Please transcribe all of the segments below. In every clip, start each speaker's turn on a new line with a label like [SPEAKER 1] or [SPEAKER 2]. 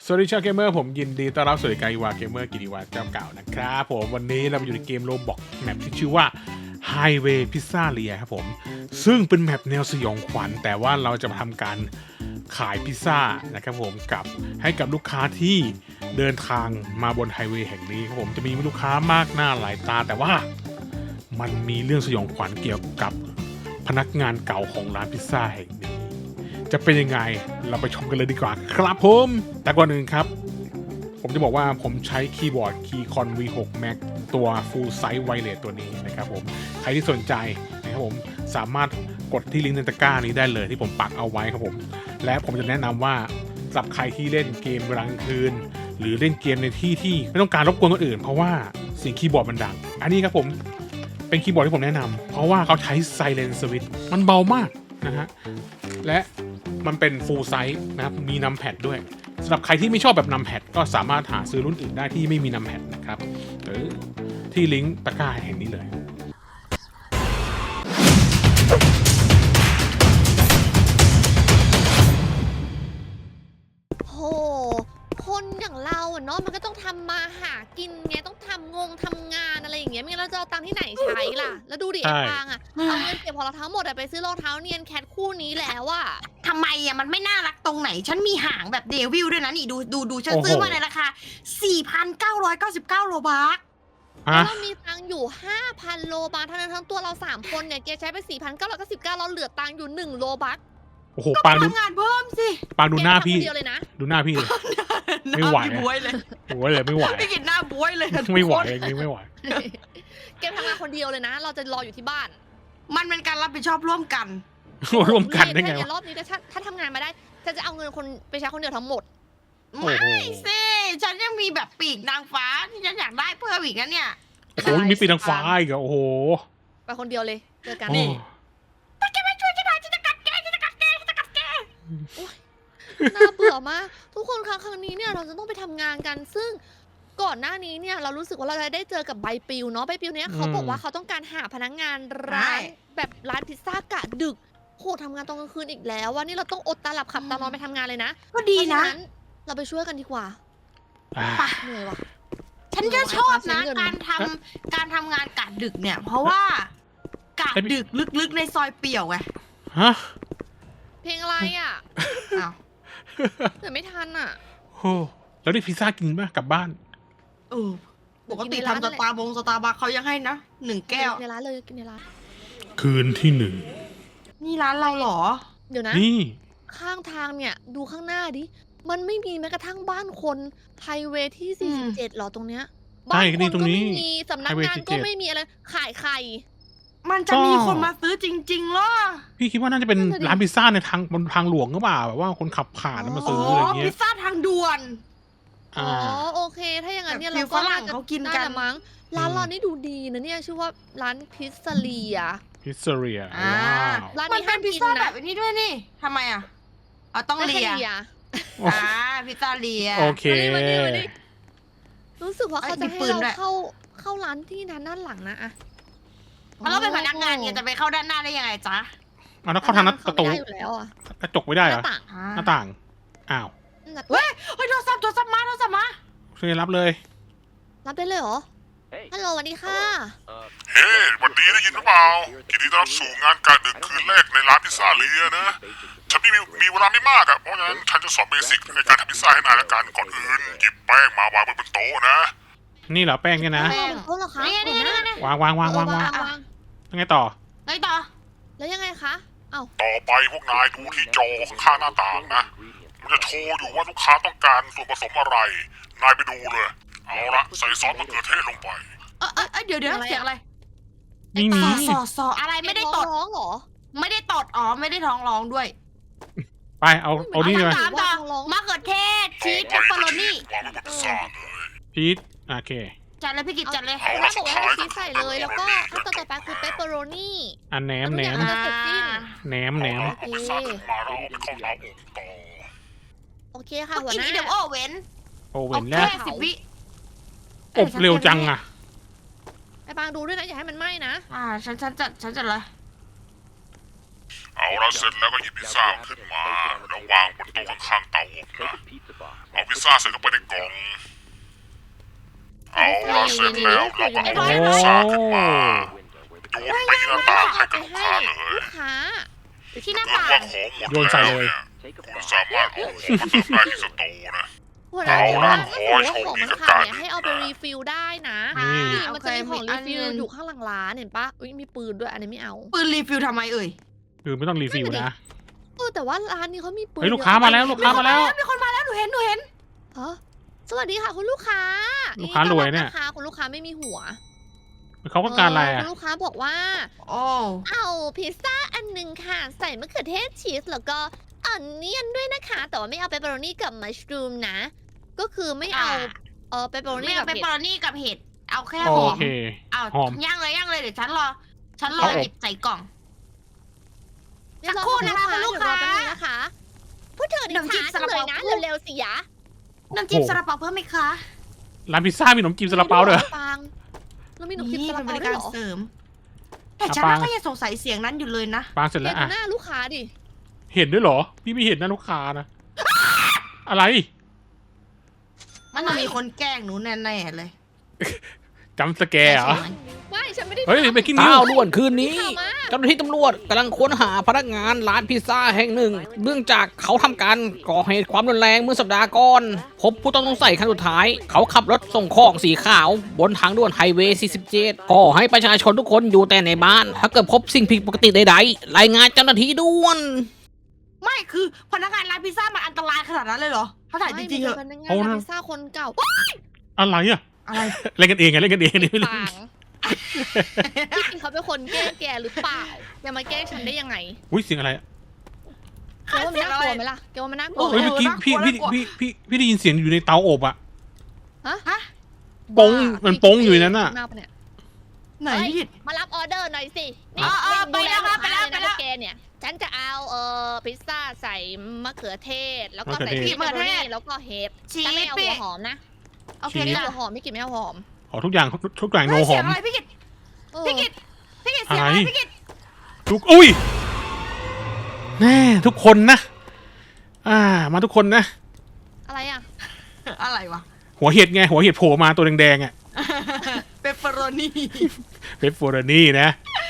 [SPEAKER 1] สวัสดีชาวเกมเมอร์ผมยินดีต้อนรับสู่รายการอีวาเกมเมอร์กิติวัฒน์เจ้าเก่านะครับผมวันนี้เราอยู่ในเกมโรบอกแมปที่ชื่อว่า Highway Pizzeria ครับผมซึ่งเป็นแมปแนวสยองขวัญแต่ว่าเราจะมาทำการขายพิซซ่านะครับผมให้กับลูกค้าที่เดินทางมาบนไฮเวย์แห่งนี้ครับผมจะมีลูกค้ามากหน้าหลายตาแต่ว่ามันมีเรื่องสยองขวัญเกี่ยวกับพนักงานเก่าของร้านพิซซ่าแห่งนี้จะเป็นยังไงเราไปชมกันเลยดีกว่าครับผมแต่ก่อนอื่นครับผมจะบอกว่าผมใช้คีย์บอร์ด Keycon V6 Max ตัว Full Size Wireless ตัวนี้นะครับผมใครที่สนใจนะครับผมสามารถกดที่ลิงก์ในตะกร้านี้ได้เลยที่ผมปักเอาไว้ครับผมและผมจะแนะนำว่าสำหรับใครที่เล่นเกมเวลากลางคืนหรือเล่นเกมในที่ที่ไม่ต้องการรบกวนคนอื่นเพราะว่าเสียงคีย์บอร์ดมันดังอันนี้ครับผมเป็นคีย์บอร์ดที่ผมแนะนำเพราะว่าเขาใช้ Silent Switch มันเบามากนะฮะและมันเป็น full size นะครับมีนัมแพดด้วยสำหรับใครที่ไม่ชอบแบบนัมแพดก็สามารถหาซื้อรุ่นอื่นได้ที่ไม่มีนัมแพดนะครับหรือที่ลิงก์ตะกร้าแห่งนี้เลย
[SPEAKER 2] โหคนอย่างเราอะเนาะมันก็ต้องทำมาหากินไงต้องทำงานอะไรอย่างเงี้ยไม่งั้นเราจะเอาตังค์ที่ไหนใช้ล่ะแล้วดูดิไอ้ปางอะเอาเงินเก็บของเราทั้งหมดอะไปซื้อรองเท้าเนียนแคทคู่นี้แล้วอะ
[SPEAKER 3] ทำไมอ่ะมันไม่น่ารักตรงไหฉันมีหางแบบเดวิลด้วยนะนี่ดูฉันซื้อมาในราคา 4,999 โลบาร์
[SPEAKER 2] แล้วเรามีตังค์อยู่ 5,000 โลบัคทั้งนั้นทั้งตัวเรา3คนเนี่ยแกใช้ไป 4,999เราเหลือตังค์อยู่1โลบัค
[SPEAKER 1] โอ้โหปางดู
[SPEAKER 3] ทำงานเพิ่มสิ
[SPEAKER 1] ปางดูหน้าพี่
[SPEAKER 2] แกทำคนเดียวเลยนะ
[SPEAKER 1] ดูหน้าพี่เลย ไม่ไหว
[SPEAKER 3] น้าบวยเลย
[SPEAKER 1] โอ้ยเลยไม่ไหว
[SPEAKER 3] ไม่กินหน้าบวยเลย
[SPEAKER 1] ไม่ไหวอย่างนี้ไม่ไหว
[SPEAKER 2] แกทำงานคนเดียวเลยนะ เราจะรออยู่ที่บ้าน
[SPEAKER 3] มันเป็นการรับผิดชอบร่วมกัน
[SPEAKER 1] ร่วมกันได้ไง
[SPEAKER 2] ถ้าใน
[SPEAKER 1] วะ
[SPEAKER 2] รอบนี้ถ้าทำงานมาได้จะเอาเงินคนไปใช้คนเดียวทั้งหมด
[SPEAKER 1] โอ้โห
[SPEAKER 3] ไม่สิฉันยังมีแบบปีกนางฟ้าที่ฉันอยากได้เพิ่มอีกนะเนี่ย
[SPEAKER 1] โอ้โหมีปีนางฟ้าอีกอะโอ้โห
[SPEAKER 2] ไปคนเดียวเลยเจอกัน
[SPEAKER 1] นี่
[SPEAKER 3] ถ้าแกไม่ช่วยฉันหน่อยฉันจะกัดแกฉันจะกัดแกฉันจะกัดแก
[SPEAKER 2] น่าเบื่อมากทุกคนครั้งนี้เนี่ยเราจะต้องไปทำงานกัน ซึ่งก่อนหน้านี้เนี่ยเรารู้สึกว่าเราจะได้เจอกับใบปลิวเนาะใบปลิวเนี้ยเขาบอกว่าเขาต้องการหาพนักงานร้านแบบร้านพิซซ่ากะดึกโหทำงานตอนกลางคืนอีกแล้วว่านี่เราต้องอดตาหลับขับตานอนไปทำงานเลยนะ
[SPEAKER 3] ก็ดีนะ
[SPEAKER 2] เพราฉเราไปช่วยกันดีกว่า
[SPEAKER 1] อ่ะ
[SPEAKER 2] เหนื่อยว่ะ
[SPEAKER 3] ฉันจะชอบนะ
[SPEAKER 2] เงิน
[SPEAKER 3] การทำงานกะดึกเนี่ย เพราะว่ากะดึกลึกๆในซอยเปี่ยวไง
[SPEAKER 1] ฮะ
[SPEAKER 2] เพลงอะไรอ่ะ
[SPEAKER 3] อ้าว
[SPEAKER 2] เหนื่อยไม่ทันอ่ะ
[SPEAKER 1] โอ้แล้วได้พิซซ่ากินป่ะกลับบ้าน
[SPEAKER 3] เออปกติทำสตาร์บัคเขายังให้นะ1 แก้ว
[SPEAKER 2] ในร้านเลยกินในร้าน
[SPEAKER 1] คืนที่1
[SPEAKER 3] นี่ร้านเราเหรอ
[SPEAKER 2] เดี๋ยวนะ
[SPEAKER 1] นี่
[SPEAKER 2] ข้างทางเนี่ยดูข้างหน้าดิ มันไม่มีแม้กระทั่งบ้านคนไฮเวย์ที่ 47หรอตรงเนี้ย บ้านคนก็ไม่มีสำนักงานก็ไม่มีอะไรขายไข่
[SPEAKER 3] มันจะมีคนมาซื้อจริงๆเหรอ
[SPEAKER 1] พี่คิดว่าน่าจะเป็นร้านพิซซ่าในบนทางหลวงหรือเปล่าแบบว่าคนขับผ่านแล้วมาซื้ออะไรเงี้
[SPEAKER 3] พิ
[SPEAKER 1] ย
[SPEAKER 3] ซซ่าทางด่วน
[SPEAKER 2] อ๋อโอเค ถ้าอย่างนั้นเนี่ย
[SPEAKER 3] แบบ
[SPEAKER 2] เราก็
[SPEAKER 3] ฝรั่งเขากินกัน
[SPEAKER 2] แหละมั้งร้านเรานี่ดูดีนะเนี่ยชื่อว่าร้านพิซซาเรีย
[SPEAKER 1] พิซเซเรีย
[SPEAKER 3] อ่า
[SPEAKER 1] ว้าว
[SPEAKER 2] ร้าน
[SPEAKER 3] มัน
[SPEAKER 2] นี้
[SPEAKER 3] เป็
[SPEAKER 2] ห้าน ม
[SPEAKER 3] พิซ
[SPEAKER 2] กิน
[SPEAKER 3] ซ่าแบ
[SPEAKER 2] นะ
[SPEAKER 3] บนี้ด้วยนี่ทำไมอ่ะต้องเลีย อ่าพิซซ่าเลีย
[SPEAKER 1] โอเค
[SPEAKER 2] มานี่รู้สึกว่าเขาจะให้
[SPEAKER 3] มีปืน
[SPEAKER 2] เรา
[SPEAKER 3] ด้วย
[SPEAKER 2] เข้าร้านที่นั้นด้านหลังนะอะ
[SPEAKER 3] เราเป็นพนักงานเนี่ยจะไปเข้าด้านหน้าได้ยังไงจ๊ะ
[SPEAKER 1] เอาแล้วเข้าทางหน้าประตู
[SPEAKER 2] ไม่ได้อยู่แล้วอะ
[SPEAKER 1] กระจกไม่ได้
[SPEAKER 2] ห
[SPEAKER 1] เหร
[SPEAKER 2] น้า
[SPEAKER 1] อ
[SPEAKER 2] ต่าง
[SPEAKER 1] หน้าต่างอ้าว
[SPEAKER 3] เฮ้ยโทรศัพท์มา
[SPEAKER 1] ช่วยรับเลย
[SPEAKER 2] รับได้เลยเหรอฮัลโหลสวัสดีค่ะ
[SPEAKER 4] เฮ้วันดีได้ยินหรือเปล่ายินดีต้อนรับสู่งานการดึกคืนแรกในร้านพิซซ่าเลียนะ ฉันมีเวลาไม่มากอะเพราะฉะนั้นฉันจะสอนเบสิกในการทำพิซซ่าให้นายละกันก่อนอื่นหยิบแป้งมาวางบนโต๊ะนะ
[SPEAKER 1] นี่เหรอแป้งเนี่ยนะ
[SPEAKER 2] แป้งเหรอคะ
[SPEAKER 3] นี่
[SPEAKER 2] หัวหน้า
[SPEAKER 1] วาง
[SPEAKER 2] วาง
[SPEAKER 1] ยังไงต่อ
[SPEAKER 3] ไงต่อ
[SPEAKER 2] แล้วยังไงคะเอ้า
[SPEAKER 4] ต่อไปพวกนายดูที่จอข้างๆหน้าต่างนะ มันจะโชว์อยู่ว่าลูกค้าต้องการส่วนผสมอะไร นายไปดูเลย เอาละใส่ซอสมะเขือเทศลงไป
[SPEAKER 3] เดี๋ยวเสียงอะไร
[SPEAKER 1] นี่มี
[SPEAKER 3] ซออะไรไม่ได้ตด
[SPEAKER 2] ร้องเหรอ
[SPEAKER 3] ไม่ได้ตดอ๋อไม่ได้ท้องร้องด้วย
[SPEAKER 1] ไปเอานี่เลย
[SPEAKER 3] ถามต่อมะเขือเทศชีสเปปเปอโรนี่
[SPEAKER 4] วางไว้บนพิซซ่าเลย
[SPEAKER 1] พีทโอเค
[SPEAKER 3] จัดเลยพี่กิจจัดเลย
[SPEAKER 4] เอา
[SPEAKER 2] ร้า
[SPEAKER 4] ละ
[SPEAKER 2] นบ
[SPEAKER 4] สุ
[SPEAKER 2] อก
[SPEAKER 4] ด
[SPEAKER 2] ว่า
[SPEAKER 4] ท้าย
[SPEAKER 2] ให้ชีสใส่เลย แล้วก็ขั้นตอนต่อไปคือเปปเปอโรนี่
[SPEAKER 1] อันแหนม
[SPEAKER 2] แล้วทุกอย่างก็จะเสร็จสิ้น
[SPEAKER 1] แหนม
[SPEAKER 4] เอาพิซซ่าขึ้นมาแล้วเอาไปเข้าเตาอบต่อ
[SPEAKER 2] โอเคค่ะหัว
[SPEAKER 3] กิน
[SPEAKER 2] หน้า
[SPEAKER 3] นี้เดี๋ยวโอเว้น
[SPEAKER 1] โอเว่นแล้ว
[SPEAKER 3] แค่10 วิ
[SPEAKER 1] อบเร็วจังอะ
[SPEAKER 2] ไอ้ปางดูด้วยนะอย่าให้มันไหม้นะ
[SPEAKER 3] ฉันจัดเลย
[SPEAKER 4] เอาละเสร็จแล้วก็หยิบพิซซ่าขึ้นมาแล้ววางบนโต๊ะข้างๆเตาอบนะเอาพิซซ่าใส่เข้าไปในกล่องเอาละเสร็จแล้วเราก็เอาพิซซ่าขึ้นมาโยนไปหน้าต่างให้กับลูกค้าเลย
[SPEAKER 2] ลูกค้า
[SPEAKER 3] ที่หน้า
[SPEAKER 4] เกิด
[SPEAKER 3] ต่าง
[SPEAKER 4] ว่าของหมด
[SPEAKER 1] โยนใส่
[SPEAKER 4] แล้ว
[SPEAKER 1] เลย
[SPEAKER 4] เนี่ยคุณสามารถเอาของมาเติมได้ที่สโตร์นะ
[SPEAKER 2] หัวหน้า
[SPEAKER 4] เอา
[SPEAKER 2] บอก
[SPEAKER 4] ล่ะ
[SPEAKER 2] ว่า
[SPEAKER 4] ข
[SPEAKER 2] ถ้า
[SPEAKER 4] อ
[SPEAKER 2] สมมติว่าของมัน
[SPEAKER 4] ให้โชคดีกับ
[SPEAKER 2] ขาด
[SPEAKER 4] การ
[SPEAKER 2] เนี่ยให้เอาไปรีฟิลได้นะ
[SPEAKER 1] นี่
[SPEAKER 2] นี่มันจะมีของรีฟิลอยู่ข้างหลังร้านเห็นปะอุ๊ยมีปืนด้วยอันนี้ไม่เอา
[SPEAKER 3] ปืนรีฟิลทำไมเอ่ย
[SPEAKER 1] คือไม่ต้องรีฟิลนะ
[SPEAKER 2] แต่ว่าร้านนี้เขามีปืน
[SPEAKER 1] เฮ้ยลูกค้ามาแล้วลูกค้ามาแล้ว
[SPEAKER 3] มีคนมาแล้วหนูเห็น
[SPEAKER 2] เออสวัสดีค่ะคุณลูกค้า
[SPEAKER 1] ลูกค้ารวยเนี่ย
[SPEAKER 2] ต้อรับะคะคุณลูกค้าไม่มีหัว
[SPEAKER 1] เขาต้องการอะไร
[SPEAKER 2] คุ
[SPEAKER 1] อ่ะ
[SPEAKER 2] ณลูกค้าบอกว่า
[SPEAKER 3] โอ้
[SPEAKER 2] เอาพิซซ่าอันหนึ่งค่ะ ใส่มะเขือเทศชีสแล้วก็อันเนียนด้วยนะคะ แต่ว่าไม่เอาเปปเปอโรนี่กับมัชรูมนะ ก็คือไม่เอาเปปเปอโร
[SPEAKER 3] ไม่
[SPEAKER 2] นี่
[SPEAKER 3] เอา
[SPEAKER 2] กับ
[SPEAKER 3] เปป
[SPEAKER 2] เห็
[SPEAKER 3] เปอ
[SPEAKER 2] ด
[SPEAKER 3] โรนี่กับเห็ดเอาแค่
[SPEAKER 1] โอ
[SPEAKER 3] หอม
[SPEAKER 1] เค
[SPEAKER 3] เอา
[SPEAKER 1] หอม
[SPEAKER 3] ย่างเลยเดี๋ยวฉันรอ
[SPEAKER 1] เอาอบ
[SPEAKER 3] หยิบใส่กล่อง
[SPEAKER 2] เดี๋ยวรอ
[SPEAKER 3] สักครู่นะคะคุณลูกค้า
[SPEAKER 2] เดี๋ยวรอแป๊บนึงนะคะพูดเถอะดิ
[SPEAKER 3] ขนมจีบ
[SPEAKER 2] ช้า
[SPEAKER 3] ซา
[SPEAKER 2] จั
[SPEAKER 3] ลาง
[SPEAKER 2] เลย
[SPEAKER 3] เปา
[SPEAKER 2] นะเร็วๆสิยะ
[SPEAKER 3] น้ำจิ้มซาลาเปาเพิ่มไหมคะ
[SPEAKER 1] ร้านพิซซ่ามีขนมจีบซาลาเปาด้วยเหรอ
[SPEAKER 2] ปังเรามีหนมจีบ
[SPEAKER 3] นี่
[SPEAKER 2] ซาลา
[SPEAKER 3] เป็นบ
[SPEAKER 2] เปา
[SPEAKER 3] ริ
[SPEAKER 2] ด้ว
[SPEAKER 3] กาย ร
[SPEAKER 2] เหรอ
[SPEAKER 3] เสริม แต่
[SPEAKER 1] อ่ะ
[SPEAKER 3] ฉัน
[SPEAKER 1] ปัง
[SPEAKER 3] ก็ยังสงสัยเสียงนั้นอยู่เลยนะ
[SPEAKER 1] ปางเสร็จ
[SPEAKER 2] เห็
[SPEAKER 1] แล้ว
[SPEAKER 2] น
[SPEAKER 1] อ่ะ
[SPEAKER 2] หน้าลูกค้าดิ
[SPEAKER 1] เห็นด้วยเหรอ พี่ไม่เห็นนะลูกค้านะ อะไร
[SPEAKER 3] มันต้องมีคนแกล้งหนูแน่ๆเลย
[SPEAKER 1] จำสแกร์เหรอ
[SPEAKER 2] ไม่ฉันไม่ได้
[SPEAKER 1] เฮ้ย
[SPEAKER 2] ทำ
[SPEAKER 1] เบกกิ้งนิว
[SPEAKER 5] ข่าวด่วนคืนนี้
[SPEAKER 2] ข่าวมา
[SPEAKER 5] เจ้าหน้าที่ตำรวจกำลังค้นหาพนักงานร้านพิซซ่าแห่งหนึ่งเนื่องจากเขาทำการก่อเหตุความรุนแรงเมื่อสัปดาห์ก่อน พบผู้ต้องสงสัยครั้งสุดท้าย เขาขับรถส่งของสีขาวบนทางด่วนไฮเวย์ 47 ขอให้ประชาชนทุกคนอยู่แต่ในบ้าน ถ้าเกิดพบสิ่งผิดปกติใดๆ รายงานเจ้าหน้าที่ด่วน
[SPEAKER 3] ไม่คือพนักงานร้านพิซซ่ามันอันตรายขนาดนั้นเลยเหรอเขาถ่ายจริงๆเหรอ
[SPEAKER 2] ไม่มันเป็นพนักงานร้านพิซซ่าคนเก่า
[SPEAKER 1] อะไรอ่ะ
[SPEAKER 3] อะไร
[SPEAKER 1] เล่นกันเองไงเล่นกันเองนี่ไม่รู้
[SPEAKER 2] ปังพี่กินเขาเป็นคนแกล้งแกหรือเปล่าอย่ามาแกล้งฉันได้ยังไง
[SPEAKER 1] อุ้ยเสียงอะไรอะ
[SPEAKER 2] แกว่ามันน่ากลัวไหมล่ะแกว่ามันน่ากลัวไหม
[SPEAKER 1] เฮ้ยเมื่อกี้พี่ได้ยินเสียงอยู่ในเตาอบอ่ะ
[SPEAKER 3] ฮะ
[SPEAKER 1] ปงมันปงอยู่ในนั้นน่ะ
[SPEAKER 2] าปเนี่ย
[SPEAKER 3] ไหนพี่กิต
[SPEAKER 2] มารับออเดอร์หน่อยสินี่
[SPEAKER 3] ไปแล้ว
[SPEAKER 2] ดู
[SPEAKER 3] ไปแล้ว
[SPEAKER 2] ลูกค้า
[SPEAKER 3] ไปแล้ว
[SPEAKER 2] เยนะแกเนี่ย ฉันจะเอาพิซซ่าใส่มะเขือเทศ แล้วก็ใส่
[SPEAKER 1] มะเขือเทศ
[SPEAKER 2] พริกเปปเปอโรนี่แล้วก็เห็ด
[SPEAKER 3] ชี
[SPEAKER 2] แต่ไม่เอา
[SPEAKER 3] ส
[SPEAKER 2] หัวหอมนะ
[SPEAKER 3] โอเค
[SPEAKER 1] ชีส
[SPEAKER 2] ไม่
[SPEAKER 3] ค่ะ
[SPEAKER 2] เอาหัวหอมไม่กินไม่เอาหอม
[SPEAKER 1] ขอทุกอย่างโน
[SPEAKER 3] เฮ้ย
[SPEAKER 1] ห
[SPEAKER 3] เสี
[SPEAKER 1] อย
[SPEAKER 3] ง
[SPEAKER 1] ม
[SPEAKER 3] อะไรพี่กิต
[SPEAKER 2] เออ
[SPEAKER 3] พี่กิตเสียงอะไร
[SPEAKER 1] อะไร
[SPEAKER 3] พี่กิต
[SPEAKER 1] ทุกอุ้ยแน่ทุกคนนะ มาทุกคนนะ
[SPEAKER 2] อะไรอ่ะ
[SPEAKER 3] อะไรวะ
[SPEAKER 1] หัวเห็ดไงหัวเห็ดโผล่มาตัวแดงๆอ่ะ
[SPEAKER 3] เปปเปอโรนี่
[SPEAKER 1] เปปเปอโรนี่นะ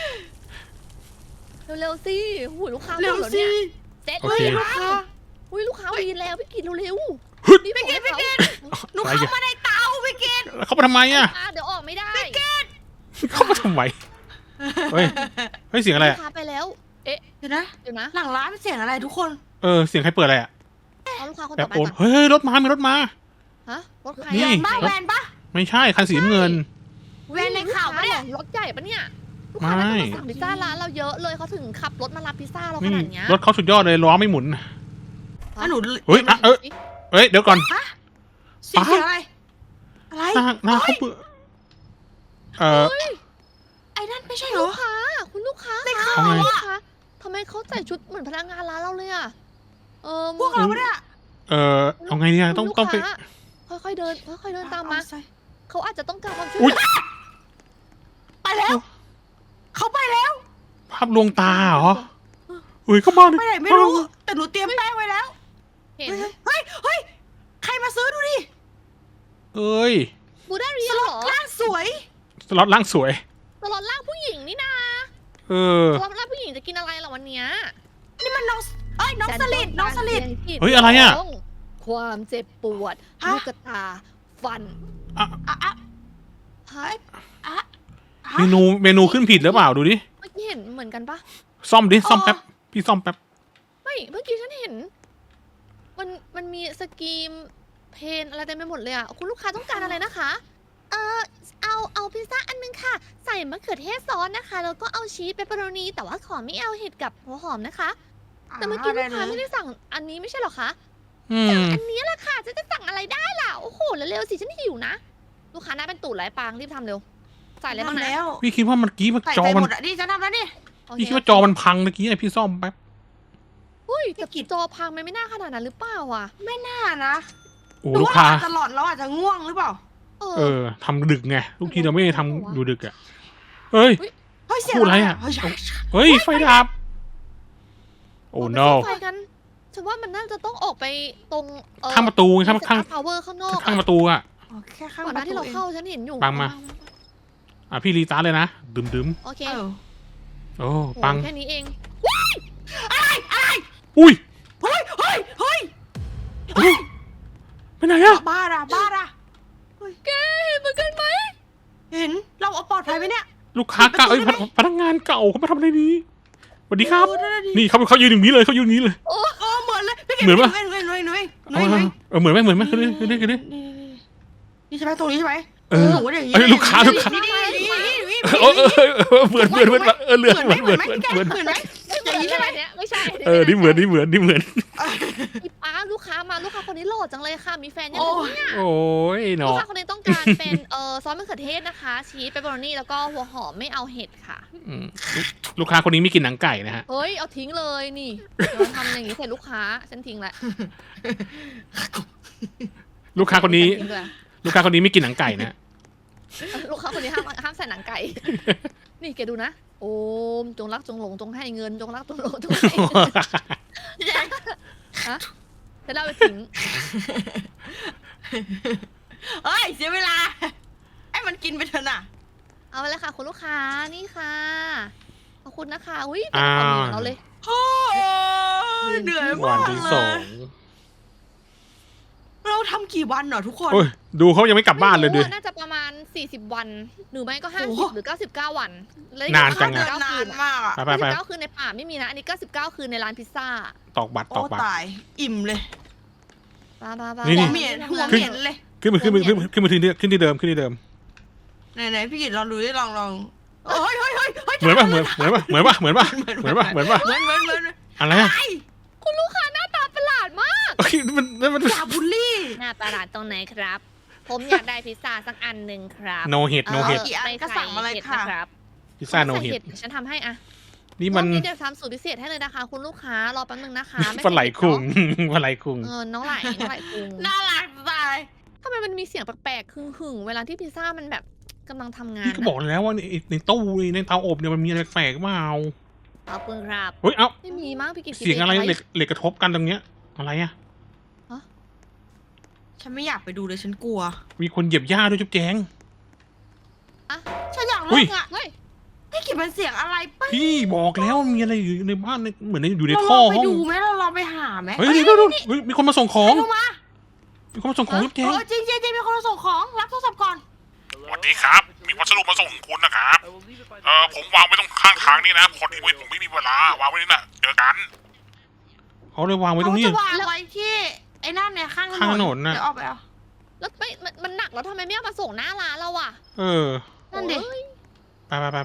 [SPEAKER 2] เร็วๆสิหูยลูกค้า
[SPEAKER 3] เร็ว
[SPEAKER 2] หมดแล้
[SPEAKER 3] สิ
[SPEAKER 2] เนี่ยเสร็จ
[SPEAKER 1] โอ
[SPEAKER 2] เล
[SPEAKER 1] เค
[SPEAKER 2] ยลูกค้าอุ้ยลูกค้าวีนแล้วพี่กินเร็ว
[SPEAKER 1] ฮึด
[SPEAKER 2] ๆนี่พี่กิน
[SPEAKER 3] หนูเข้ามาในเตาพี่กิต
[SPEAKER 1] เข้ามาทำไมอ่ะ
[SPEAKER 2] เดี๋ยวออกไม่ได้
[SPEAKER 1] เข้ามาทำไมเฮ้ยเสียงอะไร
[SPEAKER 2] ลู
[SPEAKER 1] อ่ะ
[SPEAKER 2] กค้าไปแล้ว
[SPEAKER 3] เดี๋ยวนะ
[SPEAKER 2] เดี๋ยวนะ
[SPEAKER 3] หลังร้านเสียงอะไรทุกคน
[SPEAKER 1] เสียงใครเปิดอะไรอ่ะ
[SPEAKER 2] เอาลูกค้าคน
[SPEAKER 1] แบ
[SPEAKER 2] ต่
[SPEAKER 1] บ
[SPEAKER 2] อไป
[SPEAKER 1] โอน
[SPEAKER 2] ก่อน
[SPEAKER 1] เฮ้ยรถมามีรถมา
[SPEAKER 2] ฮะรถใคร
[SPEAKER 1] นี่
[SPEAKER 2] อะ
[SPEAKER 3] บ้าแวนปะ
[SPEAKER 1] ไม่ใช่คันสีน้ำเงิน
[SPEAKER 3] แวนในข่าวปะเนี่ย
[SPEAKER 2] รถใหญ่ปะเนี่ยลูกค้า
[SPEAKER 1] ไม่
[SPEAKER 2] น่าจะมาสั่งพิซซ่าร้านเราเยอะเลยเขาถึงขับรถมารับพิซซ่าเราข
[SPEAKER 1] นี่
[SPEAKER 2] นาดเนี้ย
[SPEAKER 1] รถเขาสุดยอดเลยล้อไม่หมุน
[SPEAKER 3] แล้วหนู
[SPEAKER 1] เฮ้ยเอ้ยเดี๋ยวก่อน
[SPEAKER 3] เสียงอะไร อะไร
[SPEAKER 1] หน้าเขาเปื่อ
[SPEAKER 3] ไอ้นั่นไม่ใช่เหร
[SPEAKER 2] ลู
[SPEAKER 3] อก
[SPEAKER 2] ค้าคุณลูกค้า
[SPEAKER 3] ใน
[SPEAKER 2] คะ
[SPEAKER 3] ข่าว
[SPEAKER 1] เอาไง
[SPEAKER 2] ลูก
[SPEAKER 3] อะ
[SPEAKER 2] ค้าทำไมเขาใส่ชุดเหมือนพนักงานร้านเราเลยอะ
[SPEAKER 3] พวกเราปะเนี่ย
[SPEAKER 1] เอาไงเนี่ยต้องไป
[SPEAKER 2] ค่อยๆเดินค่อยๆเดินตามมา
[SPEAKER 3] เอใส่
[SPEAKER 2] เขาอาจจะต้องการความช่วย
[SPEAKER 1] อุ๊
[SPEAKER 2] เห
[SPEAKER 1] ย
[SPEAKER 2] ลือ
[SPEAKER 3] ไปแล้ว เขาไปแล้ว
[SPEAKER 1] ภาพลวงตาเหรออุ้ยเข้ามาดิ
[SPEAKER 3] ไปไหนไม่รู้ แต่หนูเตรียมแป้งไว้แล้ว
[SPEAKER 2] เห็น
[SPEAKER 3] เฮ้ย ใครมาซื้อดูดิ
[SPEAKER 1] เอ้ย
[SPEAKER 2] บูดาเรี
[SPEAKER 3] ส
[SPEAKER 2] ย
[SPEAKER 3] ล็
[SPEAKER 2] เห
[SPEAKER 3] อ
[SPEAKER 2] ร
[SPEAKER 3] ต
[SPEAKER 2] อ
[SPEAKER 3] ล่างสวย
[SPEAKER 1] สล็อตล่างสวย
[SPEAKER 2] ตลอดล่างผู้หญิงนี่นา
[SPEAKER 1] เออ
[SPEAKER 2] ตลอดล่างผู้หญิงจะกินอะไรล่ะวันเนี้ย
[SPEAKER 3] นี่มันน้องน้องสลิดน้องสลิด
[SPEAKER 1] เฮ้ยอะไรอะ
[SPEAKER 2] ความเจ็บปวด
[SPEAKER 3] ฮะ
[SPEAKER 2] ลูกตาฟัน
[SPEAKER 3] อ่ะ
[SPEAKER 2] ฮะ
[SPEAKER 1] เมนูขึ้นผิดหรือเปล่าดูดิ
[SPEAKER 2] เมื่อกี้เห็นเหมือนกันปะ
[SPEAKER 1] ซ่อมดิซ่อมแป๊บพี่ซ่อมแป๊บ
[SPEAKER 2] ไม่เมื่อกี้ฉันเห็น มันมีสกรีมเพนอะไรเต็มไปหมดเลยอ่ะคุณลูกค้าต้องการอะไรนะคะ เอาพิซซ่าอันนึงค่ะ ใส่มะเขือเทศซอสนะคะ แล้วก็เอาชีสเปปเปอโรนีแต่ว่าขอไม่เอาเห็ดกับหัวหอมนะคะ แต่เมื่อกี้ลูกค้าไม่ได้สั่งอันนี้ไม่ใช่หรอคะ
[SPEAKER 1] อืม
[SPEAKER 2] อันนี้แหละค่ะจะสั่งอะไรได้ล่ะโอ้โหเร็วๆสิฉันหิวนะลูกค้าหน้าเป็นตูดไรปางรีบทำเร็วใส่อะไรบ้างนะ
[SPEAKER 3] แล้ว
[SPEAKER 1] พี่คิดว่าเมื่อกี้มัน
[SPEAKER 3] ใส่
[SPEAKER 1] จอ
[SPEAKER 3] ใจ
[SPEAKER 1] มัน
[SPEAKER 3] หมดอ่ะนี่ฉันทำแล้วนี่
[SPEAKER 2] โอเค
[SPEAKER 1] พี่คิดว่าจอมันพังเมื่อกี้ไอพี่ซ่อมแป๊บ
[SPEAKER 2] อุ้ยแต่จอพังมันไม่น่าขนาดนั้นหรือเปล่าอ่ะ
[SPEAKER 3] ไม่น่านะ
[SPEAKER 1] โอ้ลูกค้า
[SPEAKER 3] ตลอดเราอาจจะง่วงหรือเปล่า
[SPEAKER 1] ทำดึกไงทุกทีเราไม่ได้ทำอยู่ดึกอ่ะเอ้ย
[SPEAKER 3] เฮ้ยเสียง
[SPEAKER 1] พูดอะไรอะ
[SPEAKER 3] เฮ้ย
[SPEAKER 1] เฮ้ยไฟดับโอ้
[SPEAKER 2] ออกไป
[SPEAKER 1] no
[SPEAKER 2] ซ่อมไฟกันฉันว่ามันน่าจะต้องออกไปตรง
[SPEAKER 1] ข้างประตูไงครับข้าง
[SPEAKER 2] พาวเวอร์ข้างนอก
[SPEAKER 1] ข้างประตูอะ
[SPEAKER 3] อ๋อแค่ข้าง
[SPEAKER 2] ก่อนห
[SPEAKER 3] ป
[SPEAKER 2] น้า
[SPEAKER 3] ระตู
[SPEAKER 2] ที่เรา
[SPEAKER 3] เอง
[SPEAKER 2] เข้าฉันเห็นอยู่
[SPEAKER 1] ปังมา พี่รีตาร์ทเลยนะดึม
[SPEAKER 2] โอเค
[SPEAKER 3] เออ
[SPEAKER 1] ๆโอ้
[SPEAKER 2] โอ้
[SPEAKER 1] ปัง
[SPEAKER 2] แค่นี้เอง
[SPEAKER 1] อุ้ย
[SPEAKER 3] เฮ้ยเฮ้ยเฮ้ย
[SPEAKER 1] ไปไหนอะ
[SPEAKER 3] บ้าอะบ้าอะ
[SPEAKER 2] แกเห็นเหมือนกันไหม
[SPEAKER 3] เห็นเราเอาปลอดภัยไหมเนี่ย
[SPEAKER 1] ลูกค้าเก่า
[SPEAKER 3] ปิดประตูได้ไหม
[SPEAKER 1] พนักงานเก่าเขามาทำอะไรนี้สวัสดีครับ
[SPEAKER 3] เออได้ดิ
[SPEAKER 1] นี่เขายืนอย่างนี้เลยเขายืนอย่างนี้เลย
[SPEAKER 3] เออเหมือนเลยพี่
[SPEAKER 1] เหมือนปะ
[SPEAKER 3] เหมือนเหมือน
[SPEAKER 1] เอาเหมือนไหมเหมือนไหมขึ้นดิขึ้นดิขึ้นดิ
[SPEAKER 3] นี่ใช่ไหมตรงนี้ใช่ไหม
[SPEAKER 1] เออ
[SPEAKER 3] หนูอย่างนี้
[SPEAKER 1] เอ้ยลูกค้า
[SPEAKER 3] นี่
[SPEAKER 1] เออเหมือนเหมือนเหมือนเหมือนเหมือนเหมือน
[SPEAKER 3] เหมือนไหม
[SPEAKER 2] อย่างนี้ใช่ไหมเนี่ยไม่ใช่
[SPEAKER 1] นี่เหมือนนี่เหมือนนี่เหมือน
[SPEAKER 2] อีป้าลูกค้ามาลูกค้าคนนี้หล่อจังเลยค่ะมีแฟนยัง
[SPEAKER 3] โอ้
[SPEAKER 2] เนี่ย
[SPEAKER 1] โอ้ย
[SPEAKER 2] ลู
[SPEAKER 1] เนาะ
[SPEAKER 2] กค้าคนนี้ต้องการเป็นซอสมะเขือเทศนะคะชีสเปปเปอโรนี่แล้วก็หัวหอมไม่เอาเห็ดค่ะ
[SPEAKER 1] อืมลูกค้าคนนี้ไม่กินหนังไก่นะฮะ
[SPEAKER 2] เฮ้ยเอาทิ้งเลยนี่เราทำอย่างนี้ใส่ลูกค้าฉันทิ้งละ
[SPEAKER 1] ลูกค้าคนนี้
[SPEAKER 2] ทิ้งเลย
[SPEAKER 1] ลูกค้าคนนี้ไม่กินหนังไก่นะ
[SPEAKER 2] ลูกค้าคนนี้ห้ามใส่หนังไก่ นี่แกดูนะโอมจงรักจงหลงจงให้เงินจงรักจงหลงจงให้เงินฮะจะเล่าไปทิ้ง
[SPEAKER 3] เฮ้ยเสียเวลาไอ้มันกินไปเถอะน่ะ
[SPEAKER 2] เอาไปเลยค่ะคุณลูกค้านี่ค่ะขอบคุณนะคะอุ้ยเป็นความดีของเราเลย
[SPEAKER 3] โอ้ยเหนื่อย
[SPEAKER 1] วั
[SPEAKER 3] มาน ก
[SPEAKER 1] ที่
[SPEAKER 3] เล
[SPEAKER 1] สอง
[SPEAKER 3] ยเราทำกี่วันเหรอทุกคน
[SPEAKER 1] โอ้ยดูเขายังไม่กลับบ้านเลยดิ
[SPEAKER 2] ไม่รู้อะน่าจะประมาณ40 วันหรือไม่ก็
[SPEAKER 3] โอ้โห
[SPEAKER 2] 50หรือ99วันแล้ว
[SPEAKER 1] นานจังอะ
[SPEAKER 3] เดินนานมากอะ
[SPEAKER 1] ไป
[SPEAKER 2] 99คืนในป่าไม่มีนะอันนี้99คืนในร้านพิซซ่า
[SPEAKER 1] ตอกบัตร
[SPEAKER 3] โอ้
[SPEAKER 1] ตอกบัตร
[SPEAKER 3] ตายอิ่มเลย
[SPEAKER 2] บ้า
[SPEAKER 1] นี่
[SPEAKER 3] หัวเหม็นหัวเหม็นเลย
[SPEAKER 1] ขึ้นมาที่เดิม
[SPEAKER 3] ไหนพี่กิตลองดูดิลองเฮ้ย
[SPEAKER 1] เหมือนป่ะเหมือนป่ะเหมือน อะไรอะ
[SPEAKER 2] คุณลูกค้าหน้าตาประหลาดมาก
[SPEAKER 1] มัน
[SPEAKER 3] อย่าบูลลี่
[SPEAKER 2] หน้าประหลาดตรงไหนครับ ผมอยากได้พิซซ่าสักอันหนึ่งครับ
[SPEAKER 1] โนเห็ดโนเห็ด
[SPEAKER 3] กี่อันก็สั่งมาเลยค่ะ
[SPEAKER 2] นะครับ
[SPEAKER 1] พิซซ่าโนเห็ด
[SPEAKER 2] ฉันทำให้อะ
[SPEAKER 1] นี่มัน
[SPEAKER 2] รอบนี้เดี๋ยวทำสูตรพิเศษให้เลยนะคะ คุณลูกค้ารอแป๊บนึงนะคะม่
[SPEAKER 1] ปลาไหล
[SPEAKER 2] ใส่
[SPEAKER 1] คุง
[SPEAKER 2] เผ็ด
[SPEAKER 1] ปลาไหลคุง
[SPEAKER 2] เนาะน้องไหลคุง
[SPEAKER 3] น่ารักตาย
[SPEAKER 2] ทำไมมันมีเสียงแปลกๆหึ่งๆเวลาที่พิซซ่ามันแบบกำลังทำงาน
[SPEAKER 1] พี่ก็บอกแล้วว่าในตู้ในเตาอบเนี่ยมันมีอะไรแปลกเปล่า
[SPEAKER 2] ขอบคุณครับ
[SPEAKER 1] เฮ้ยเอ้า
[SPEAKER 2] ไม่มีมั้งพี่กิต
[SPEAKER 1] เสียงอะไรเหล็กกระทบกันตรงเนี้ยอะไรอะ
[SPEAKER 3] ฉันไม่อยากไปดูเลยฉันกลัว
[SPEAKER 1] มีคนเหยียบหญ้าด้วยจุ๊บแจง
[SPEAKER 3] ฉันอยาก
[SPEAKER 1] อุ้
[SPEAKER 3] เลิ
[SPEAKER 1] ย
[SPEAKER 3] กอ่ะ
[SPEAKER 2] เฮ้ย
[SPEAKER 3] พี่กิตมันเสียงอะไรปะ
[SPEAKER 1] พี่บอกแล้วมีอะไรอยู่ในบ้านเหมือนอยู่ใน
[SPEAKER 3] เรา
[SPEAKER 1] ท่
[SPEAKER 3] ล
[SPEAKER 1] อ
[SPEAKER 3] องไป
[SPEAKER 1] ห้อง
[SPEAKER 3] ดูไหมเราลองไปหาไหม
[SPEAKER 1] เฮ้ยเดี๋ยวมีคนมาส่งของ
[SPEAKER 3] ลงมา
[SPEAKER 1] มีคนมาส่งของจุ๊บแจง
[SPEAKER 3] จริงมีคนมาส่งของรับโทรศัพท์ก่อน
[SPEAKER 4] สวัสดีครับ มีพัสดุมาส่งคุณนะครับ ผมวางไว้ตรงข้างทางนี่นะพอดีผมไม่มีเวลาวางไว้นี่นะเจอกัน
[SPEAKER 1] เขาเลยวางไว้ตรงนี้
[SPEAKER 3] เขาจะวางไว้ที่ไอ้นั่นเนี่ยข้าง
[SPEAKER 1] ข้างถนนน่ะ
[SPEAKER 3] เดี๋ยวเอาไปเอา
[SPEAKER 2] แล้วไม่มันหนักแล้วทำไมไม่เอามาส่งหน้าร้านเราอ่ะ
[SPEAKER 1] เออ
[SPEAKER 3] นั่นดิ
[SPEAKER 2] โอ้ย
[SPEAKER 1] ไป
[SPEAKER 2] มาปะ
[SPEAKER 3] ไป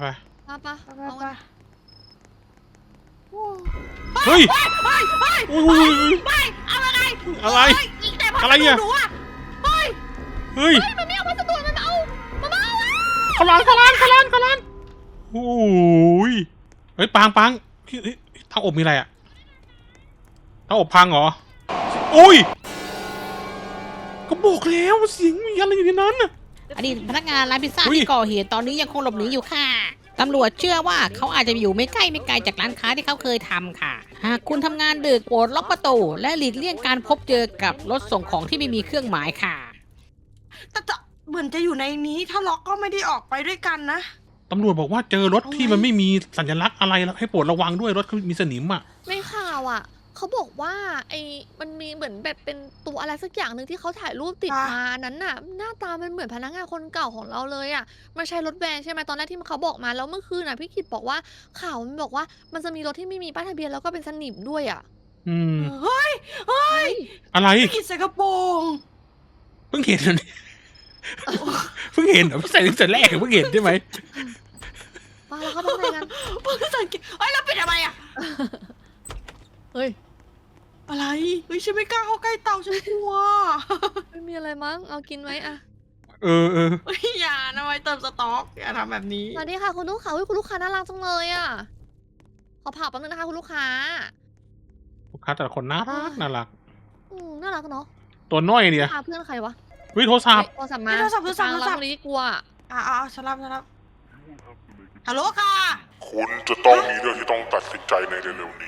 [SPEAKER 1] เฮ้ย
[SPEAKER 3] เฮ้ย
[SPEAKER 1] อุ้ย
[SPEAKER 3] ไม่เอาอะไร
[SPEAKER 1] อะไร
[SPEAKER 3] อีกแต่พัส
[SPEAKER 1] อะไรเนี่ย
[SPEAKER 3] ดุหนูอะเฮ้ย
[SPEAKER 1] เฮ้ย
[SPEAKER 2] มันไม่เอาพัสดุมันเอาอะ
[SPEAKER 1] เขาล้านโอ้ยเฮ้ยปังเตาอบมีอะไรอะเตาอบพังเหรออุ้ยก็บอกแล้วเสียงมีอะไรอยู่ในนั้นน่ะ
[SPEAKER 5] อดีตพนักงานร้านพิซซ่า
[SPEAKER 1] อุ๊ย
[SPEAKER 5] ที่ก่อเหตุตอนนี้ยังคงหลบหนีอยู่ค่ะ ตำรวจเชื่อว่าเขาอาจจะอยู่ไม่ไกลจากร้านค้าที่เขาเคยทำค่ะ หากคุณทำงานดึกโปรดล็อกประตูและหลีกเลี่ยงการพบเจอกับรถส่งของที่ไม่มีเครื่องหมายค่ะ
[SPEAKER 3] แต่เหมือนจะอยู่ในนี้ถ้าล็อกก็ไม่ได้ออกไปด้วยกันนะ
[SPEAKER 1] ตำรวจบอกว่าเจอรถที่มันไม่มีสัญลักษณ์อะไรแล้วให้โปรดระวังด้วยรถเขามีสนิมอ่ะ
[SPEAKER 2] ในข่าวอ่ะเขาบอกว่ามันมีเหมือนแบบเป็นตัวอะไรสักอย่างหนึ่งที่เขาถ่ายรูปติด
[SPEAKER 3] อ่ะ
[SPEAKER 2] มานั้นน่ะ หน้าตามันเหมือนพนักงานคนเก่าของเราเลยอ่ะมันใช้รถแวนใช่ไหมตอนแรกที่เขาบอกมาแล้วเมื่อคืนน่ะพี่กิตบอกว่าข่าวมันบอกว่ามันจะมีรถที่ไม่มีป้ายทะเบียนแล้วก็เป็นสนิมด้วยอ่ะ
[SPEAKER 1] อืม
[SPEAKER 3] เฮ้ย
[SPEAKER 1] อะไร
[SPEAKER 3] พี่กิดใส่กระโปรง
[SPEAKER 1] เพิ่งเห็นเหรอเนี่ยเพิ่งเห็นเหรอใส่ตั้งแต่แรกเพิ่งเห็นใช่ไหม
[SPEAKER 2] มาแล้วเขาทำอะไรกัน
[SPEAKER 3] เพิ่งสังเกตเฮ้ยเราปิดทำไมอะ
[SPEAKER 2] เฮ้ย
[SPEAKER 3] อะไรเฮ้ยฉันไม่กล้าเข้าใกล้เตาฉันกลัว
[SPEAKER 2] ไม่มีอะไรมั้งเอากินไว้อะ
[SPEAKER 1] เออ
[SPEAKER 3] เฮ้ยอย่านะไว้เติมสต๊อกอย่าทำแบบนี้
[SPEAKER 2] สวัสดีค่ะคุณลูกค้าคุณลูกค้าน่ารักจังเลยอ่ะขอผ่าแป๊บนึงนะคะคุณลูกค้า
[SPEAKER 1] ลูกค้าแต่ละคนน่ารักน่ารัก
[SPEAKER 2] น่ารักเนาะ
[SPEAKER 1] ตัวน้อยเนี่ย
[SPEAKER 2] พาเพื่อนใครวะ
[SPEAKER 1] วิโทรศัพท์
[SPEAKER 2] โทรศัพท์มา
[SPEAKER 3] โทรศัพท์
[SPEAKER 2] ฟังแล้วคนนี้กลัว
[SPEAKER 3] ฉันรับฮัลโหลค่ะ
[SPEAKER 4] คุณจะต้องมีเรื่องที่ต้องตัดสินใจในเร็วๆนี้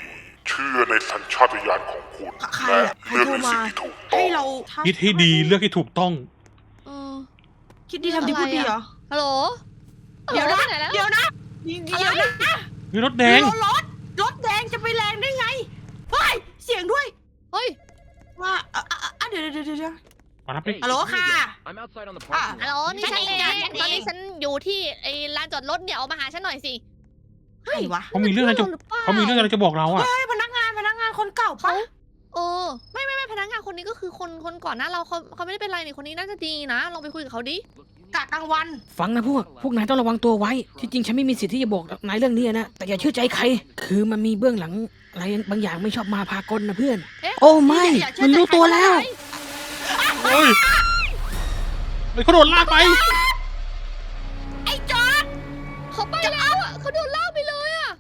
[SPEAKER 4] เชื่อในสัญชาตญาณของคุณ
[SPEAKER 3] ใคร
[SPEAKER 4] และ
[SPEAKER 3] อะใคร
[SPEAKER 4] เลือก
[SPEAKER 3] โทร
[SPEAKER 4] ใน
[SPEAKER 3] มา
[SPEAKER 4] สิ่งที่ถูกต้อ
[SPEAKER 3] ให้
[SPEAKER 4] ง
[SPEAKER 3] เรา
[SPEAKER 1] คิดให้ดีเลือกให้ถูกต้อง
[SPEAKER 2] เออ
[SPEAKER 3] คิดดีทำดีพูดดีเหรอ
[SPEAKER 2] ฮัลโหล
[SPEAKER 3] เดี๋ยวนะ
[SPEAKER 2] ไปไหนแล้ว
[SPEAKER 3] เดี๋ยวนะเดี๋ยวนะ
[SPEAKER 1] เฮ้ยรถแดง
[SPEAKER 3] รถแดงจะไปแรงได้ไงเฮ้ยเสียงด้วย
[SPEAKER 2] เฮ้ย
[SPEAKER 3] ว่าเดี๋ยว
[SPEAKER 1] มารับไป
[SPEAKER 3] ฮัลโหลค่ะ
[SPEAKER 6] I'm outside on the
[SPEAKER 3] อ่ะ
[SPEAKER 6] parking
[SPEAKER 2] ฮัลโหล
[SPEAKER 6] lot.
[SPEAKER 2] นี่ฉันเอง
[SPEAKER 3] ฉันเอง
[SPEAKER 2] ตอนนี้ฉันอยู่ที่ไอ้ลานจอดรถเนี่ยเอามาหาฉันหน่อยสิ
[SPEAKER 3] ใครวะ
[SPEAKER 1] เขามีเรื่องอะไรจะ
[SPEAKER 2] หรือเปล่า
[SPEAKER 1] เขามีเรื่องอะไรจะบอกเราอะ
[SPEAKER 3] เฮ้ยพนักงานคนเก่าปะ
[SPEAKER 2] เออไม่พนักงานคนนี้ก็คือคนก่อนหน้าเราเขาไม่ได้เป็นไรนี่คนนี้น่าจะดีนะลองไปคุยกับเขาดิ
[SPEAKER 3] กะกลางวัน
[SPEAKER 5] ฟังนะพวกนายต้องระวังตัวไว้ ที่จริงฉันไม่มีสิทธิ์ที่จะบอกนายเรื่องนี้นะ แต่อย่าเชื่อใจใคร คือมันมีเบื้องหลังอะไรบางอย่างไม่ชอบมาพากลนะเพื่อน
[SPEAKER 2] เอ๊ะ
[SPEAKER 5] โอ้ไม่
[SPEAKER 3] อย่าเชื่อ
[SPEAKER 5] มันรู้ตัว
[SPEAKER 3] ใจใคร
[SPEAKER 5] แล้ว
[SPEAKER 1] เฮ้ยเฮ้ยเขาโดนลากไป
[SPEAKER 3] ไอ้จอร์ด
[SPEAKER 2] เขาไปแล้วอ่ะเขาโดนลากไปเลยอ่ะ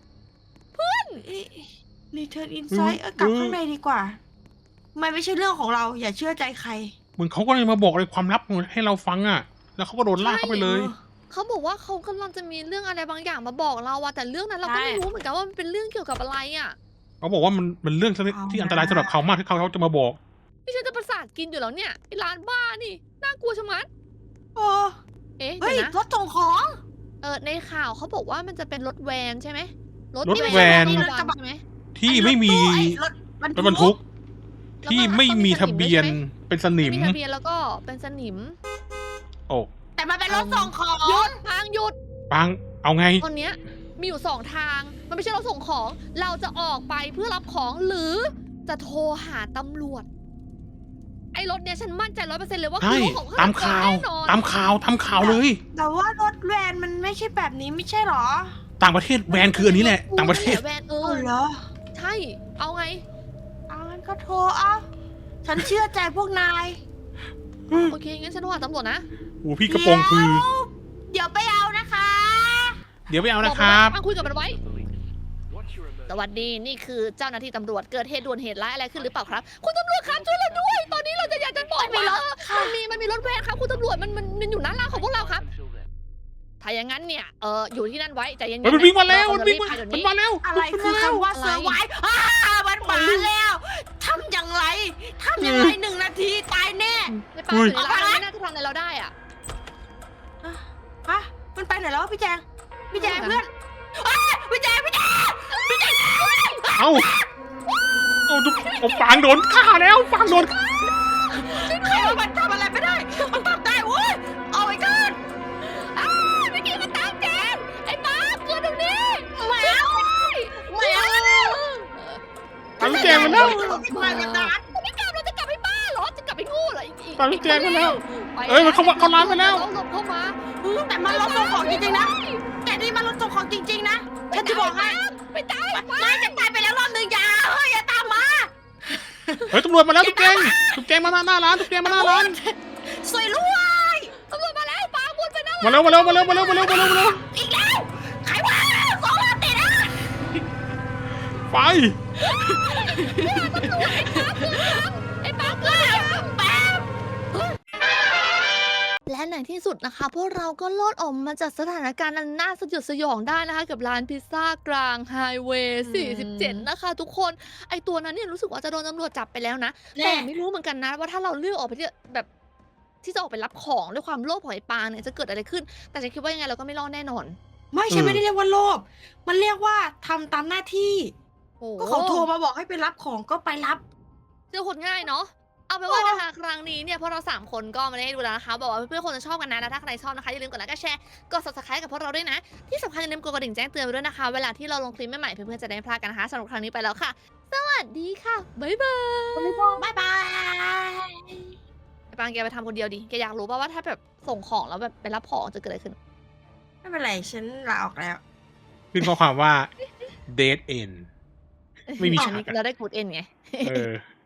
[SPEAKER 3] รีเทิร์นอินไซด์กลับข้างในดีกว่ามันไม่ใช่เรื่องของเรา อย่าเชื่อใจใคร
[SPEAKER 1] เหมือนเขาก็เลยมาบอกอะไรความลับให้เราฟังอะแล้วเขาก็โดนลากเข้าไปเลย
[SPEAKER 2] เขาบอกว่าเขากำลังจะมีเรื่องอะไรบางอย่างมาบอกเราอะแต่เรื่องนั้นเราก็ไม่รู้เหมือนกันว่ามันเป็นเรื่องเกี่ยวกับอะไรอะ
[SPEAKER 1] เขาบอกว่ามันเรื่องที่อันตรายสำหรับเขามากที่เขาจะมาบอก
[SPEAKER 2] นี่ฉันจะประสาทกินอยู่แล้วเนี่ยไอ้ร้านบ้านี่น่ากลัวชะมัด
[SPEAKER 3] โอ้
[SPEAKER 2] เอ๊ะ
[SPEAKER 3] เฮ้ย
[SPEAKER 2] เดี๋ยวนะ
[SPEAKER 3] รถส่งของ
[SPEAKER 2] ในข่าวเขาบอกว่ามันจะเป็นรถแวนใช่ไหม
[SPEAKER 1] รถแวน
[SPEAKER 2] ที่ไม่ใช่รถกระบะใช่ไหม
[SPEAKER 1] ที่ไม่มี
[SPEAKER 3] รถ
[SPEAKER 1] รถบรรทุก
[SPEAKER 2] แล้วก็
[SPEAKER 1] ที่ไม่มีทะเบียน
[SPEAKER 2] ต้องมีสนิมด้วยใช่ไหม
[SPEAKER 1] เป็นสนิม
[SPEAKER 2] ไม่มีทะเบียนแล้วก็เป็นสนิม
[SPEAKER 1] โอ้
[SPEAKER 3] แต่มันเป็นรถส่งของ
[SPEAKER 2] หยุดทางหยุด
[SPEAKER 1] ปังเอาไง
[SPEAKER 2] ตอนเนี้ยมีอยู่สองทาง มันไม่ใช่รถส่งของ เราจะออกไปเพื่อรับของหรือจะโทรหาตำรวจ ไอ้รถเนี้ยฉันมั่นใจ100%เลยว่าคื
[SPEAKER 1] ใช่
[SPEAKER 2] อรถของฆ
[SPEAKER 1] ตามข่าว
[SPEAKER 2] แน่นอน
[SPEAKER 1] ตามข่าวทำข่าวเลย
[SPEAKER 3] แต่ว่ารถแวนมันไม่ใช่แบบนี้ไม่ใช่หรอ
[SPEAKER 1] ต่างประเทศแวนคืออันนี้แหละ ต่างประเทศ
[SPEAKER 2] แวน
[SPEAKER 3] เออ เหรอ
[SPEAKER 2] ใช่ เอาไง
[SPEAKER 3] งั้นก็โทรเอาฉันเชื่อใจพวกนาย
[SPEAKER 2] โอเค งั้นฉันโทรหาตำรวจนะ
[SPEAKER 1] โอ้พี่กระโปรงคือ
[SPEAKER 3] เดี๋ยวไปเอานะคะ
[SPEAKER 1] เดี๋ยวไปเอานะครับ
[SPEAKER 2] มาคุยกับมันไว้
[SPEAKER 6] Once you're in
[SPEAKER 2] สวัสดี นี่คือเจ้าหน้าที่ตำรวจ เกิดเหตุด่วนเหตุร้ายอะไรขึ้นหรือเปล่าครับ คุณตำรวจครับช่วยเราด้วย ตอนนี้เราจะอยากจะบอกว่ามันมีรถแวนครับ คุณตำรวจมันอยู่หน้าร้านของพวกเราครับ
[SPEAKER 6] until then.
[SPEAKER 2] ถ้าอย่างนั้นเนี่ย อยู่ที่นั่นไว้ใจเย็นๆ
[SPEAKER 1] เฮ้ยมันวิ่งมาแล้ว
[SPEAKER 2] เร
[SPEAKER 1] มัน
[SPEAKER 2] จะ
[SPEAKER 1] วิ่ง
[SPEAKER 2] รีบ
[SPEAKER 1] มา
[SPEAKER 2] ไปเดี๋ยว
[SPEAKER 1] มัน
[SPEAKER 2] นี้
[SPEAKER 1] มาแล้ว
[SPEAKER 3] อะไรคือคำว่าเซอร์ไวส์มันมาแล้วทำอย่างไรทำอย่างไร1 นาทีตายแน่
[SPEAKER 2] ในป่าอยู่ในร้านไม่น่าจะทำอะไรเราได้อะ
[SPEAKER 3] ฮะมันไปไหนแล้ววะพี่แจงเพื่อนพี่แจง
[SPEAKER 1] เอาเอาปางโดนฆ่าแล้วปางโดน
[SPEAKER 3] มันทำอะไรไม่ได้ มันทำได้เว้ยเอาไอ้กัน
[SPEAKER 2] เมื่อกี้มันตามแจงไอ้ป้าเกิดตรงนี้
[SPEAKER 3] ไม่เอา
[SPEAKER 1] ตามแจงมาแล้ว
[SPEAKER 3] ไม่กันนะ
[SPEAKER 2] ไม่กลับเราจะกลับให้บ้าเหรอ จะกลับไปงูเหรออีก
[SPEAKER 1] ตามแจงมาแล้ว
[SPEAKER 2] ไป
[SPEAKER 1] เอ้ยมันเข้าร้านไปแล้ว
[SPEAKER 2] เราหลบเข้ามา
[SPEAKER 3] แต่มันรถส่งของจริงๆนะ แต่นี่มันรถส่งของจริงๆนะ ฉันจะบอกให้
[SPEAKER 2] ไปตาย
[SPEAKER 3] ไม่จะตายไปแล้วรอบหนึ่งอย่าตามมา
[SPEAKER 1] เฮ้ยตำรวจมาแล้วทุกแจงมาหน้าร้านทุกแจงมาหน้าร้าน
[SPEAKER 3] สวยรวย
[SPEAKER 2] ตำรวจมาแล้วป้าวนไปนะ
[SPEAKER 1] มาแล้ว
[SPEAKER 3] อีกแล้วใครวะ2 วันติดอ่ะ
[SPEAKER 1] ไป
[SPEAKER 2] ไอ้ป้าเกิด
[SPEAKER 3] แป๊บ
[SPEAKER 2] และในที่สุดนะคะ พวกเราก็รอดออกมาจากสถานการณ์อันน่าสยดสยองได้นะคะ กับร้านพิซซ่ากลางไฮเวย์ 47 นะคะ ทุกคนไอตัวนั้นเนี่ยรู้สึกว่าจะโดนตำรวจจับไปแล้วนะ แต่ไม่รู้เหมือนกันนะว่าถ้าเราเลือกออกไปที่แบบที่จะออกไปรับของด้วยความโลภของไอ้ปางเนี่ยจะเกิดอะไรขึ้น แต่ฉันคิดว่ายังไงเราก็ไม่รอดแน่นอน
[SPEAKER 3] ไม่ฉันไม่ได้เรียกว่าโลภมันเรียกว่าทำตามหน้าที่
[SPEAKER 2] โอ้
[SPEAKER 3] ก็เขาโทรมาบอกให้ไปรับของก็ไปรับ
[SPEAKER 2] เจอคนง่ายเนาะเอาไปนว่านะคะครั้งนี้เนี่ยพวกเรา3คนก็มาได้ดูแล้วนะคะบอกว่าเพื่อนๆคนจะชอบกันนะแล้วถ้าใครชอบนะคะอย่าลืมกดไลค์กดแชร์กด subscribe กับพวกเราด้วยนะ ที่สำคัญอย่าลืมกดกระดิ่งแจ้งเตือนไว้ด้วยนะคะเวลาที่เราลงคลิปใหม่ๆเพื่อนๆจะได้ไม่พลาดกันนะคะสำหรับครั้งนี้ไปแล้วค่ะ สวัสดีค่ะบ๊ายบาย
[SPEAKER 3] บ๊ายบาย
[SPEAKER 2] ไอ้ปางแกไปทำคนเดียวดิแกอยากรู้ป่าว่าถ้าแบบส่งของแล้วแบบไปรับของจะเกิดอะไรขึ้น
[SPEAKER 3] ไม่เป็นไรฉันลาออกแล้ว
[SPEAKER 1] ขึ้นข้อความว่า dead end ไม่มี
[SPEAKER 2] อั
[SPEAKER 1] ฉาน ก
[SPEAKER 2] นี้เราได้กูดเอ็นไง
[SPEAKER 1] เออ